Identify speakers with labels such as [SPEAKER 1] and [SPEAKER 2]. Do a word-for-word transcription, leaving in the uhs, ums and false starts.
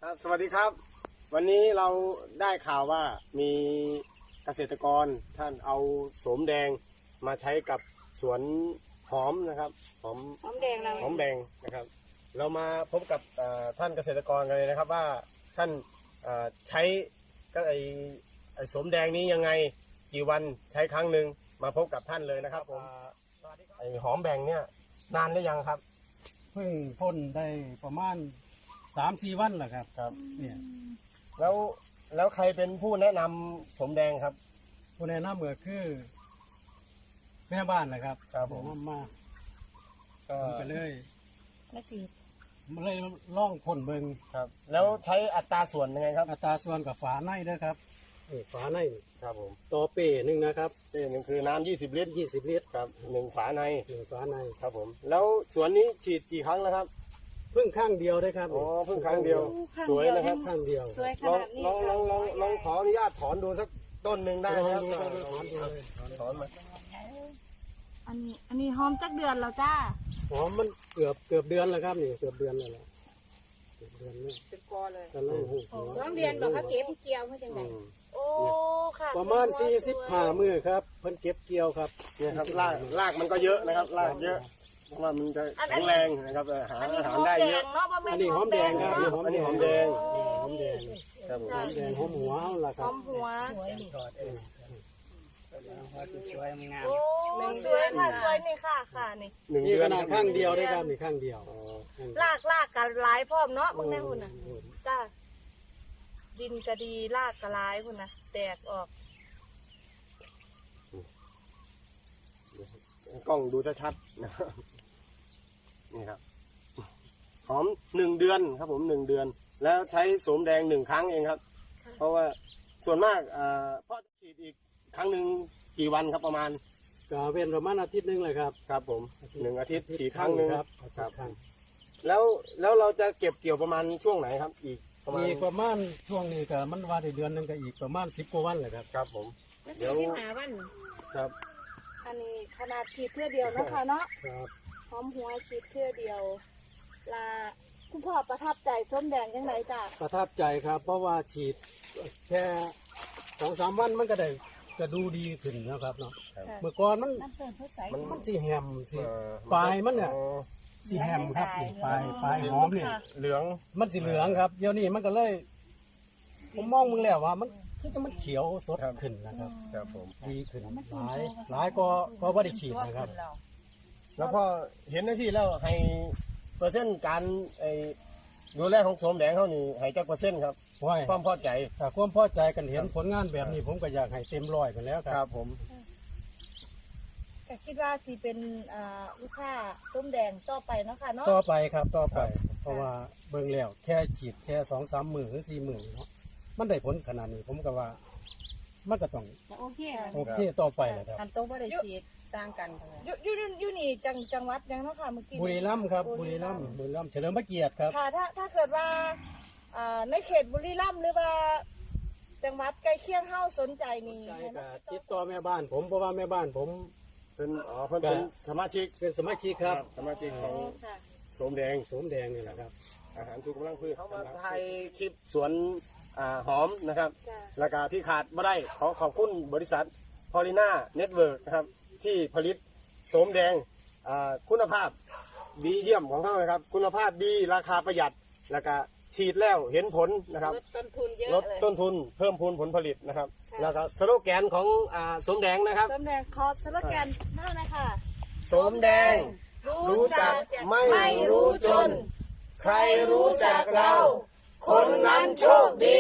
[SPEAKER 1] ครับสวัสดีครับวันนี้เราได้ข่าวว่ามีเกษตรกรท่านเอาโสมแดงมาใช้กับสวนหอมนะครับหอม
[SPEAKER 2] หอมแดงเรา
[SPEAKER 1] หอมแดงนะครับเรามาพบกับท่านเกษตรกรกันเลยนะครับว่าท่านใช้ก็ไอไอโสมแดงนี้ยังไงกี่วันใช้ครั้งหนึ่งมาพบกับท่านเลยนะครับผมไอหอมแดงเนี่ยนานหรือยังครับ
[SPEAKER 3] เพิ่งพ่นได้ประมาณสามสี่วันแหละครับ
[SPEAKER 1] ครับ
[SPEAKER 3] เนี่ย
[SPEAKER 1] แล้วแล้วใครเป็นผู้แนะนำโสมแดงครับ
[SPEAKER 3] ผู้แนะนำก็คือแม่บ้านแหละครับ
[SPEAKER 1] ครับผม
[SPEAKER 3] แนะนำมา
[SPEAKER 1] ก็
[SPEAKER 3] ผมไปเลย
[SPEAKER 2] แล้วจีบ
[SPEAKER 3] มาเลยล่องพ่นเบิง
[SPEAKER 1] ครับแล้วใช้อัตราส่วนยังไงครับ
[SPEAKER 3] อัตราส่วนกับฝาในด้วยครับนี่ฝาใน
[SPEAKER 1] ครับผม
[SPEAKER 3] ต่อเป้หนึ่งนะครับ
[SPEAKER 1] เป้หนึ่งคือน้ำยี่สิบลิตร
[SPEAKER 3] ยี่สิบลิตร
[SPEAKER 1] ครับหนึ่งฝาใน
[SPEAKER 3] หนึ่งฝาใน
[SPEAKER 1] ครับผมแล้วสวนนี้ฉีดกี่ครั้งแล้วครับ
[SPEAKER 3] เพิ่งข้างเดียวได้ครับ
[SPEAKER 1] อ๋อเพิ่งครั้งเดียว สวยนะครับ
[SPEAKER 3] ข้างเดียว
[SPEAKER 2] สวยข
[SPEAKER 1] ลอง
[SPEAKER 2] นาดนี้
[SPEAKER 1] ลองลองลองลองขออนุญาตถอนดูสักต้นหนึ่งได้ไหมครับ
[SPEAKER 3] ลองดูลองดูถอนดูเลย
[SPEAKER 1] ถอนมา
[SPEAKER 2] อันนี้อันนี้หอมจักเดือนแล้วจ้า
[SPEAKER 3] หอมมันเกือบเกือบเดือนแล้วครับนี่เกือบเดือนแล้วแหละเกือบเดือนแล้ว
[SPEAKER 2] เป็นกอเลย
[SPEAKER 3] กำลังหูหัว
[SPEAKER 2] สองเดือนบอกเขาเก็บเกี่ยวเขาจังไง
[SPEAKER 1] อืม
[SPEAKER 2] โอ้ค่ะ
[SPEAKER 3] ประมาณสี่สิบห้ามือครับเพิ่นเก็บเกี่ยวครับ
[SPEAKER 1] เนี่ยครับรากรากมันก็เยอะนะครับรากเยอะเพราะว่ามันจะแข็งแรงนะครับหา
[SPEAKER 2] อันนี้
[SPEAKER 1] อา
[SPEAKER 2] ห
[SPEAKER 1] หาร
[SPEAKER 2] อม
[SPEAKER 1] ได้
[SPEAKER 2] แด
[SPEAKER 1] เยอะ
[SPEAKER 2] งเนาะบ่แม่
[SPEAKER 3] อันนี้หอมแดงครับ
[SPEAKER 2] เนาะ
[SPEAKER 1] อันนี้หอมแดง
[SPEAKER 3] หอมแดง
[SPEAKER 1] ครับผม
[SPEAKER 3] หอมแดงหอมหัวล่ะค
[SPEAKER 2] ห
[SPEAKER 3] รั
[SPEAKER 2] อบ มหัว
[SPEAKER 3] สวยงาม
[SPEAKER 2] โอ้สวยค่ะสวยนี่ค่ะค่ะนี่
[SPEAKER 1] หนึ่ง
[SPEAKER 3] นี่
[SPEAKER 1] เดื
[SPEAKER 3] ข
[SPEAKER 1] อน
[SPEAKER 3] นาดข้างเดียวได้ครับนี่ข้างเดียว
[SPEAKER 1] อ๋อ
[SPEAKER 2] ลากลากกันหลายพร้อมเนาะพวกนี้คุณน่ะจ้าดินก็ดีลากก็หลายคุณน่ะแตกออก
[SPEAKER 1] กล้องดูชัดๆนะครับนี่ครับหอมหนึ่งเดือนครับผมหนึ่งเดือน แล้วใช้โสมแดงหนึ่งครั้งเองครับ เพราะว่าส่วนมากอ่าพ่อฉีดอีกครั้งหนึ่งกี่วันครับประมาณ
[SPEAKER 3] ก็เป็นประมาณอาทิตย์หนึงเลยครับ
[SPEAKER 1] ครับผมหนึ่งอาทิตย์ฉีดครั้งหนึ่ง
[SPEAKER 3] ครับ
[SPEAKER 1] ครับ
[SPEAKER 3] ครั้ง
[SPEAKER 1] แล้วแล้วเราจะเก็บเกี่ยวประมาณช่วงไหนครับ อีกประมาณ
[SPEAKER 3] อีกประมาณช่วงนี้ก็มันว่าได้เดือนหนึงก็อีกประมาณสิบกว่าวันเลยครับ
[SPEAKER 1] ครับผม
[SPEAKER 2] แล้ว
[SPEAKER 1] เดี๋ยว
[SPEAKER 2] ที่หาวัน
[SPEAKER 1] ครับ
[SPEAKER 2] อันนี้ขนาดฉีดเทื่อเดียวเนาะค่ะเนาะ
[SPEAKER 3] ครับ
[SPEAKER 2] หอมหัวฉีดเทื่อเดียวลาคุณพ่อประทับใจส้มแดงยังไงจ้ะ
[SPEAKER 3] ประทับใจครับ เพราะว่าฉีดแค่สองสามวันมันก็ได้ก็ดูดีขึ้นนะครับเนาะเมื่อก่อนมัน
[SPEAKER 2] น้ำเติมเขาใส
[SPEAKER 1] มัน
[SPEAKER 3] มันสีแหมสี
[SPEAKER 1] เอ่อ
[SPEAKER 3] ปลายมันเนี่ย
[SPEAKER 1] อ๋อ
[SPEAKER 3] สีแหมครับนี่ปลายปลายหอมเนี่ย
[SPEAKER 1] เหลือง
[SPEAKER 3] มันสีเหลืองครับเดี๋ยวนี้มันก็เลย ผมมองมึงแล้วว่ามันคือจะมันเขียวสดขึ้นนะครับ
[SPEAKER 1] ครับผม
[SPEAKER 3] ดีขึ้นหลายหลายก็ก็ว่าได้ฉีดนะครับ
[SPEAKER 1] แล้วพอเห็นหน้าที่แล้วให้เปอร์เซ็นต์การไอ้ดูแลของโสมแดงเขานี่ให้จักเปอร์เซ็นต์ครับ
[SPEAKER 3] ว่า
[SPEAKER 1] ความพอใจ
[SPEAKER 3] ถ้าความพอใจกันเห็นผลงานแบบนี้ผมก็อยากให้เต็มร้อยกันแล้วค
[SPEAKER 1] ค
[SPEAKER 3] รั
[SPEAKER 1] รั
[SPEAKER 3] บบ
[SPEAKER 1] ผม
[SPEAKER 2] ก็คิดว่าสิเป็นอ่าลูกค้าส้มแดงต่อไปเนาะค่ะเนาะ
[SPEAKER 3] ต่อไปครับต่อไป เพราะว่าเบิ่งแล้วแค่ฉีดแค่สองสามหมื่นหรือสี่หมื่นเนาะมันได้ผลขนาดนี้ผมก็ว่า มันก็ต้อง
[SPEAKER 2] โอเค
[SPEAKER 3] โอเคต่อไปแหละครับ
[SPEAKER 4] ทำโต๊ะไม่ได้ฉีดต่างกันค่ะ
[SPEAKER 2] อยู่อยู่อยู่นี่จังจังหวัดยังเนาะค่ะเมื่อกี้
[SPEAKER 3] บุรีรัมย์ครับบุรีรัมย์บุรีรัมย์เฉลิมพระเกียรติครับ
[SPEAKER 2] ค่ะถ้าถ้าเกิดว่าอ่าในเขตบุรีรัมย์หรือว่า จังหวัดใกล้เคียงเฮาสนใจนี่
[SPEAKER 3] ใจก็ติดต่อแม่บ้านผมเพราะว่าแม่บ้านผม
[SPEAKER 1] เป็นอ๋อเพิ่นเป็นสมาชิก
[SPEAKER 3] เป็นสมาชิกครับ
[SPEAKER 1] สมาชิกของ
[SPEAKER 2] ค่ะ
[SPEAKER 1] โสมแดง
[SPEAKER 3] สวมแดงนี่แหละครับ
[SPEAKER 1] อาหารชูกำลังพืชเขามาถ่ายคลิปสวนอ่าหอมนะครับ
[SPEAKER 2] จ้ะ
[SPEAKER 1] ราคาที่ขาดไม่ได้ขอขอบคุณบริษัทพอลิน่าเน็ตเวิร์กนะครับที่ผลิตโสมแดงอ่าคุณภาพดีเยี่ยมของเขานะครับ คุณภาพดีราคาประหยัดแล้วก็ฉีดแล้วเห็นผลนะครับ
[SPEAKER 2] ลดต้นทุนเยอะ
[SPEAKER 1] ลด
[SPEAKER 2] เลย
[SPEAKER 1] ต้นทุนเพิ่มพูนผลผลิตนะครับ
[SPEAKER 2] ค่ะ
[SPEAKER 1] แล้วก็สโลแกนของอ่าโสมแดงนะครับ
[SPEAKER 2] ส้มแดงคอสโลแกนเท่านั้นค่ะ
[SPEAKER 1] โสมแดง รู้จักไม่รู้จน ใครรู้จักเรา คนนั้นโชคดี